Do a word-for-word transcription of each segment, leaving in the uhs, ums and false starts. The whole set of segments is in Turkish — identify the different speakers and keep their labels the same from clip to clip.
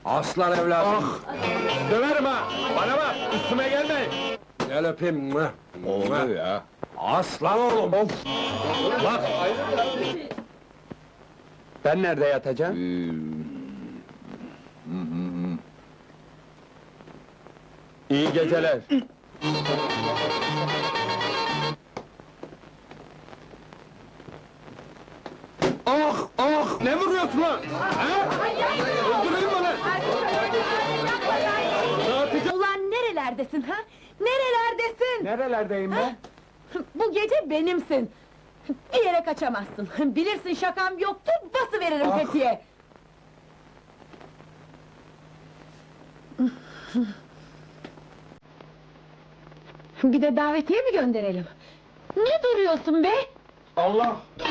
Speaker 1: Aslan evladım!
Speaker 2: Ah! Döverim ha! Bana bak, üstüme gelmeyin!
Speaker 1: Gel öpeyim! Mwah!
Speaker 2: Oldu ya!
Speaker 1: Aslan oğlum! Of!
Speaker 2: Bak!
Speaker 1: Ben nerede yatacağım?
Speaker 2: İyi geceler!
Speaker 1: Ah! Ah!
Speaker 2: Ne vuruyorsun lan? Ha? Öldüreyim mi lan? Dağıtacağım!
Speaker 3: Ulan nerelerdesin ha? Nerelerdesin?
Speaker 2: Nerelerdeyim ben?
Speaker 3: Bu gece benimsin! Bir yere kaçamazsın! Bilirsin şakam yoktu, basıveririm
Speaker 1: Ah!
Speaker 3: tetiğe! Bir de davetiye mi gönderelim? Ne duruyorsun be?
Speaker 2: Allah!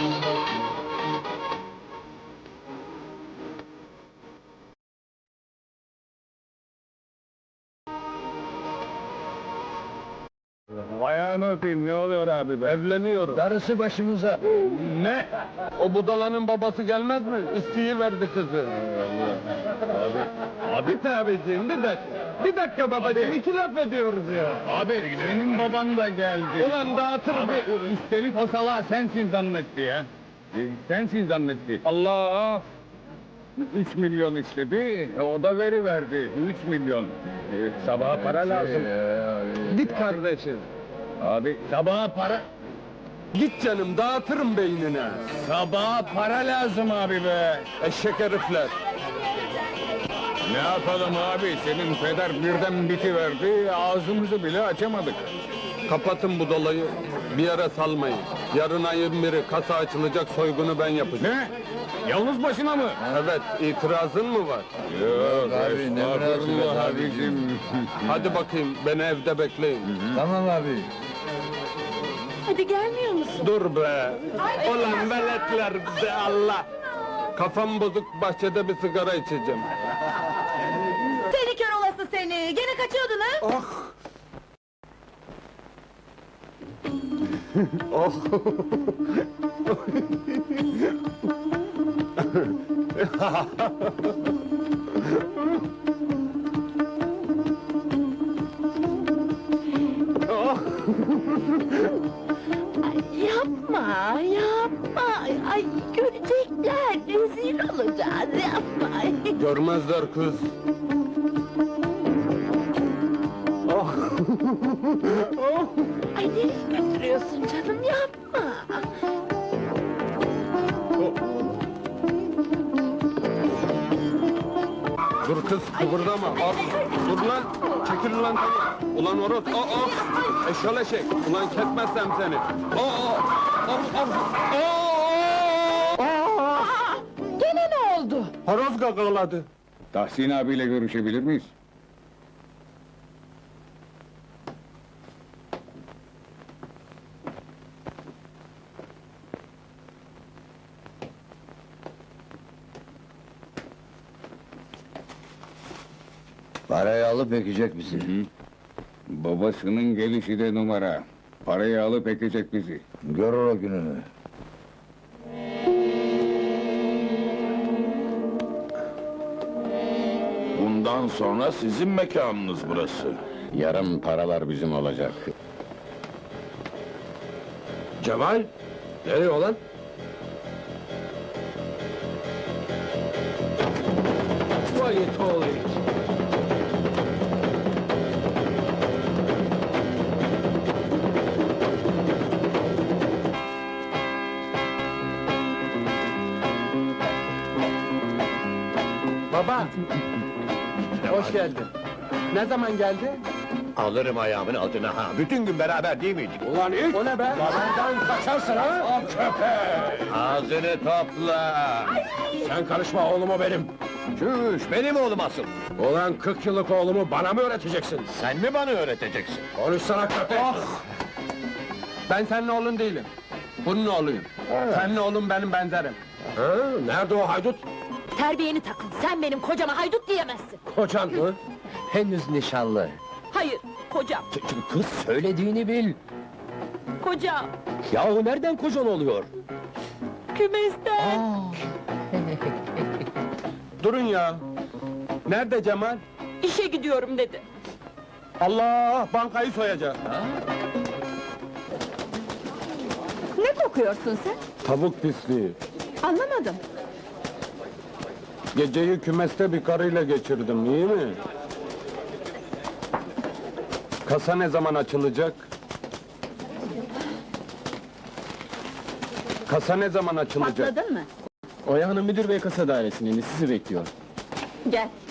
Speaker 2: Ayağını öpeyim, ne oluyor abi be? Evleniyorum.
Speaker 1: Darısı başımıza!
Speaker 2: Ne? O budalanın babası gelmez mi? İsteği verdi kızı. Abi, abi tabiciğim bir dakika. Bir dakika babacığım, iki laf ediyoruz ya. Abi, senin baban da geldi. Ulan dağıtır bir... Üstelik o salağı sensin zannetti ya. Sensin zannetti. Allah! Üç milyon istedi, o da veriverdi. Üç milyon. Ee, sabaha para lazım. Git kardeşim. Abi, sabaha para... Git canım, dağıtırım beynine. Sabaha para lazım abi be. Eşek herifler. Ne yapalım abi, senin peder birden bitiverdi, ağzımızı bile açamadık. Kapatın bu dolayı, bir yere salmayın. Yarın ayın biri kasa açılacak, soygunu ben yapacağım. Ne? Yalnız başına mı? Evet, itirazın mı var? Yok
Speaker 1: abi, ne münasebet
Speaker 2: abicim. Hadi bakayım, beni evde bekleyin.
Speaker 1: Tamam abi!
Speaker 3: Hadi gelmiyor musun?
Speaker 2: Dur be! Ulan veletler be Allah! Kafam bozuk, bahçede bir sigara içeceğim.
Speaker 3: Seni kör olası seni! Gene kaçıyordun ha?
Speaker 2: Ah! Oh! Oh!
Speaker 3: Ay, yapma, yapma! Ay, görecekler, rezil olacağız, yapma!
Speaker 2: Görmezler kız. Oh! Oh!
Speaker 3: Ay, nereye götürüyorsun canım, yapma!
Speaker 2: Dur kız, kıvırdama! Al, dur lan! Çekil lan! Ulan horoz! Aa, aa! Eşşol eşek! Ulan kesmezsem seni! Aa! Aa! Aa! Aa!
Speaker 3: Aa, gene ne oldu?
Speaker 2: Horoz gagaladı!
Speaker 4: Tahsin abiyle görüşebilir miyiz?
Speaker 1: Parayı alıp ekecek bizi.
Speaker 4: Babasının gelişi de numara. Parayı alıp ekecek bizi.
Speaker 1: Görür o gününü.
Speaker 5: Bundan sonra sizin mekanınız burası.
Speaker 4: Yarın paralar bizim olacak.
Speaker 1: Cemal! Nereye olan? Vay it oğlu!
Speaker 2: Baba! Hoş geldin. Ne zaman geldi?
Speaker 5: Alırım ayağımın altına ha. Bütün gün beraber değil miydik?
Speaker 2: Ulan ilk! O ne be? Babandan kaçarsın ha! Köpek!
Speaker 5: Ağzını topla!
Speaker 2: Sen karışma oğluma benim!
Speaker 5: Çüş, benim oğlum asıl!
Speaker 2: Ulan kırk yıllık oğlumu bana mı öğreteceksin?
Speaker 5: Sen mi bana öğreteceksin?
Speaker 2: Konuşsana köpek! Ben senin oğlun değilim. Bunun oğluyum. Senin oğlun benim benzerim. Ha, nerede o haydut?
Speaker 3: Terbiyeni takın, sen benim kocama haydut diyemezsin!
Speaker 2: Kocan mı?
Speaker 1: Henüz nişanlı.
Speaker 3: Hayır, kocam,
Speaker 1: Kız söylediğini bil!
Speaker 3: kocam!
Speaker 1: Yahu nereden kocan oluyor?
Speaker 3: Kümesten!
Speaker 2: Durun ya! Nerede Cemal?
Speaker 3: İşe gidiyorum dedi.
Speaker 2: Allah, bankayı soyacak.
Speaker 3: Ne kokuyorsun sen?
Speaker 2: Tavuk pisliği.
Speaker 3: Anlamadım.
Speaker 2: Geceyi kümeste bir karıyla geçirdim, iyi mi? Kasa ne zaman açılacak? Kasa ne zaman açılacak?
Speaker 3: Patladın mı?
Speaker 2: Oya Hanım müdür bey kasa dairesinin sizi bekliyor.
Speaker 3: Gel.